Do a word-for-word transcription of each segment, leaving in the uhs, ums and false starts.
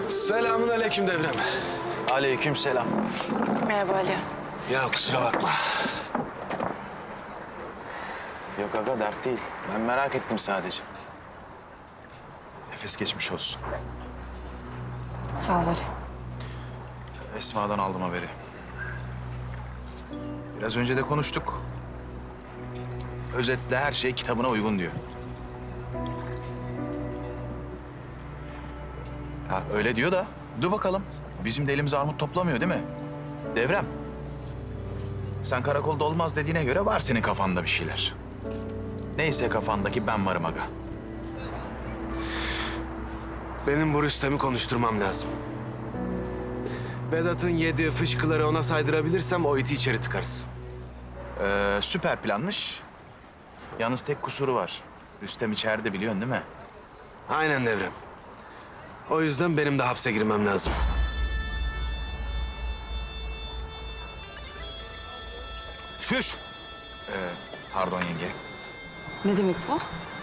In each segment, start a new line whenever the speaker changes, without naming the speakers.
Selamun aleyküm Devrem.
Aleyküm selam.
Merhaba Ali.
Ya kusura bakma.
Yok aga dert değil. Ben merak ettim sadece. Nefes geçmiş olsun.
Sağ ol Ali.
Esma'dan aldım haberi. Biraz önce de konuştuk. Özetle her şey kitabına uygun diyor. Ha öyle diyor da dur bakalım. Bizim de elimiz armut toplamıyor değil mi? Devrem. Sen karakolda olmaz dediğine göre var senin kafanda bir şeyler. Neyse kafandaki ben varım aga.
Benim bu Rüstem'i konuşturmam lazım. Vedat'ın yediği fışkıları ona saydırabilirsem o iti içeri tıkarız.
Ee, süper planmış. Yalnız tek kusuru var. Rüstem içeride biliyorsun değil mi?
Aynen Devrem. O yüzden benim de hapse girmem lazım. Şuş!
Ee, pardon yenge.
Ne demek bu?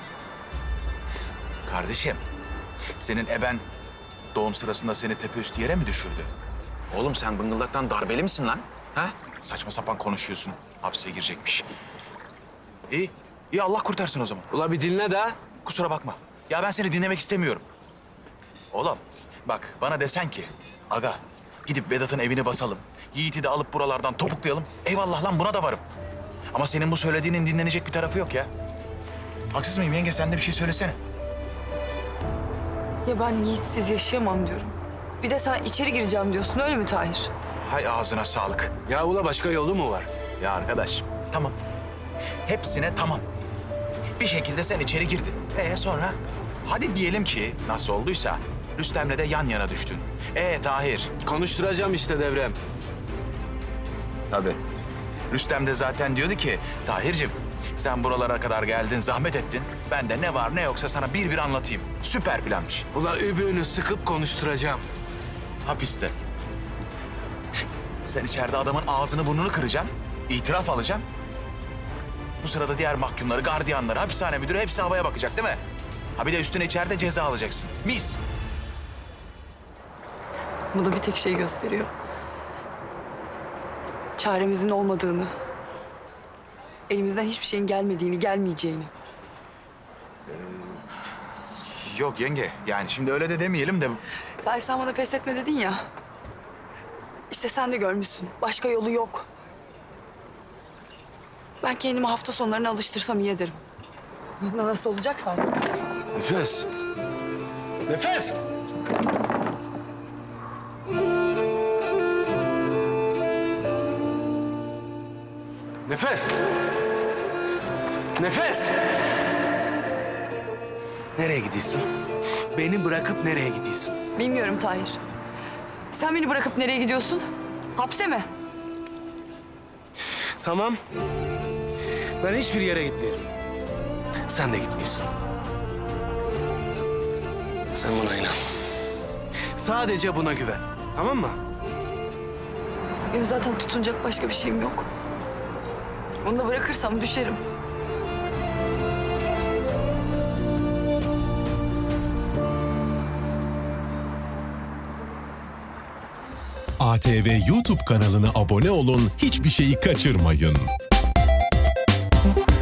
Kardeşim, senin eben doğum sırasında seni tepeüstü yere mi düşürdü? Oğlum sen bıngıldaktan darbeli misin lan? Ha? Saçma sapan konuşuyorsun. Hapse girecekmiş. İyi, iyi Allah kurtarsın o zaman.
Ula bir dinle de.
Kusura bakma. Ya ben seni dinlemek istemiyorum. Oğlum bak bana desen ki... Aga gidip Vedat'ın evini basalım. Yiğit'i de alıp buralardan topuklayalım. Eyvallah lan buna da varım. Ama senin bu söylediğinin dinlenecek bir tarafı yok ya. Haksız mıyım yenge? Sen de bir şey söylesene.
Ya ben Yiğitsiz yaşayamam diyorum. Bir de sen içeri gireceğim diyorsun, öyle mi Tahir?
Hay ağzına sağlık.
Ya ula başka yolu mu var?
Ya arkadaş tamam. Hepsine tamam. Bir şekilde sen içeri girdin. Ee sonra? Hadi diyelim ki nasıl olduysa Rüstem'le de yan yana düştün. Ee Tahir?
Konuşturacağım işte Devrem.
Tabii. Rüstem de zaten diyordu ki Tahir'cim sen buralara kadar geldin, zahmet ettin. Ben de ne var ne yoksa sana bir bir anlatayım. Süper planmış.
Ula übüğünü sıkıp konuşturacağım.
Hapiste. Sen içeride adamın ağzını burnunu kıracaksın. İtiraf alacaksın. Bu sırada diğer mahkumları, gardiyanları, hapishane müdürü hepsi havaya bakacak değil mi? Ha bir de üstüne içeride ceza alacaksın. Mis.
Bu da bir tek şey gösteriyor. Çaremizin olmadığını, elimizden hiçbir şeyin gelmediğini, gelmeyeceğini.
Yok yenge yani şimdi öyle de demeyelim de...
Tahir sen bana pes etme dedin ya. İşte sen de görmüşsün. Başka yolu yok. Ben kendimi hafta sonlarına alıştırsam iyi ederim. Nasıl olacaksa artık.
Nefes. Nefes! Nefes! Nefes! Nereye gidiyorsun? Beni bırakıp nereye gidiyorsun?
Bilmiyorum Tahir. Sen beni bırakıp nereye gidiyorsun? Hapse mi?
Tamam. Ben hiçbir yere gitmiyorum. Sen de gitmiyorsun. Sen buna inan. Sadece buna güven. Tamam mı?
Benim zaten tutunacak başka bir şeyim yok. Onu da bırakırsam düşerim.
A T V YouTube kanalına abone olun, hiçbir şeyi kaçırmayın.